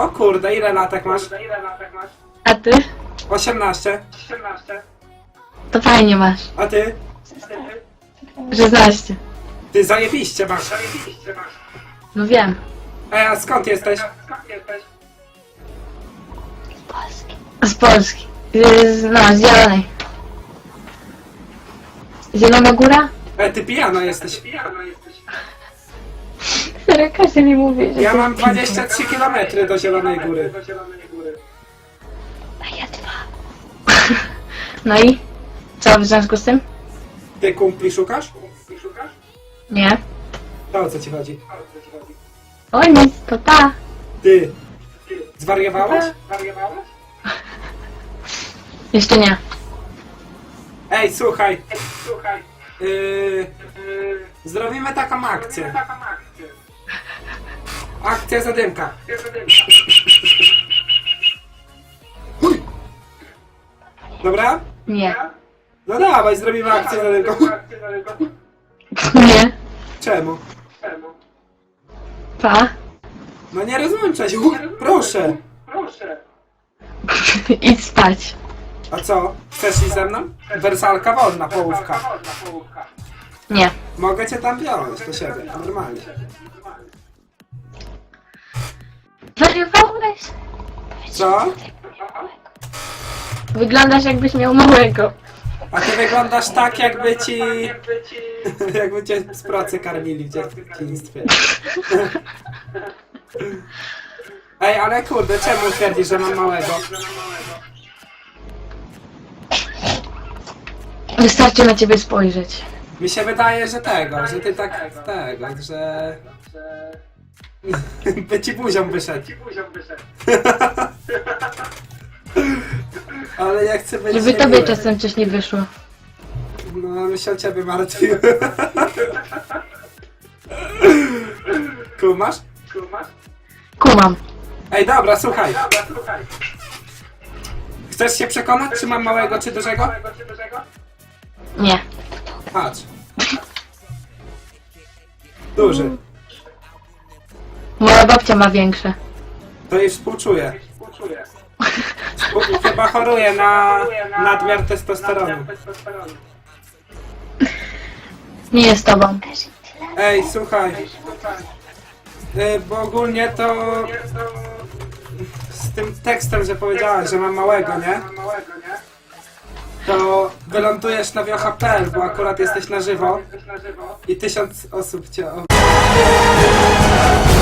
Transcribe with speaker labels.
Speaker 1: O kurde, ile latek masz?
Speaker 2: A ty?
Speaker 1: 18.
Speaker 2: To fajnie masz.
Speaker 1: A ty?
Speaker 2: 16.
Speaker 1: Ty zajebiście masz.
Speaker 2: No wiem.
Speaker 1: A skąd jesteś?
Speaker 2: Z Polski. No, z Zielonej. Zielona Góra?
Speaker 1: Ty pijana jesteś.
Speaker 2: Serio, każdy mi mówi, że...
Speaker 1: Ja mam 23 km do Zielonej Góry.
Speaker 2: A ja 2. No i? Co w związku z tym?
Speaker 1: Ty kumpli szukasz?
Speaker 2: Nie.
Speaker 1: To o co ci chodzi?
Speaker 2: Oj, nic, to ta.
Speaker 1: Ty. Zwariowałeś?
Speaker 2: Jeszcze nie.
Speaker 1: Ej, słuchaj. Zrobimy taką akcję. Akcja zadymka. Dobra?
Speaker 2: Nie.
Speaker 1: No dawaj, zrobimy akcję zadymka.
Speaker 2: Nie.
Speaker 1: Czemu?
Speaker 2: Pa.
Speaker 1: No nie rozłączaj się. Proszę.
Speaker 2: Idź spać.
Speaker 1: A co? Chcesz iść ze mną? Wersalka wolna, połówka.
Speaker 2: Nie.
Speaker 1: Mogę cię tam wziąć do siebie, normalnie.
Speaker 2: Wariowałeś?
Speaker 1: Co?
Speaker 2: Wyglądasz jakbyś miał małego.
Speaker 1: A ty wyglądasz tak, jakby ci... jakby cię z pracy karmili w dzieciństwie. Ej, ale kurde, czemu twierdzisz, że mam małego?
Speaker 2: Wystarczy na ciebie spojrzeć.
Speaker 1: Mi się wydaje, że że ty tak że... by ci buzią wyszedł. Ale ja chcę być
Speaker 2: Żeby tobie
Speaker 1: niemiły.
Speaker 2: czasem coś nie wyszło.
Speaker 1: No, my się o ciebie martwił. Kumasz?
Speaker 2: Kumam.
Speaker 1: Ej, dobra, słuchaj. Chcesz się przekonać, czy mam małego, czy dużego?
Speaker 2: Nie.
Speaker 1: Patrz. Duży.
Speaker 2: Moja babcia ma większe.
Speaker 1: To jej współczuję. Chyba choruje na nadmiar testosteronu.
Speaker 2: Nie jest tobą.
Speaker 1: Ej, słuchaj. Bo ogólnie to... Z tym tekstem, że powiedziałeś, że mam małego, nie? To wylądujesz na wiocha.pl, bo akurat jesteś na żywo i 1000 osób cię...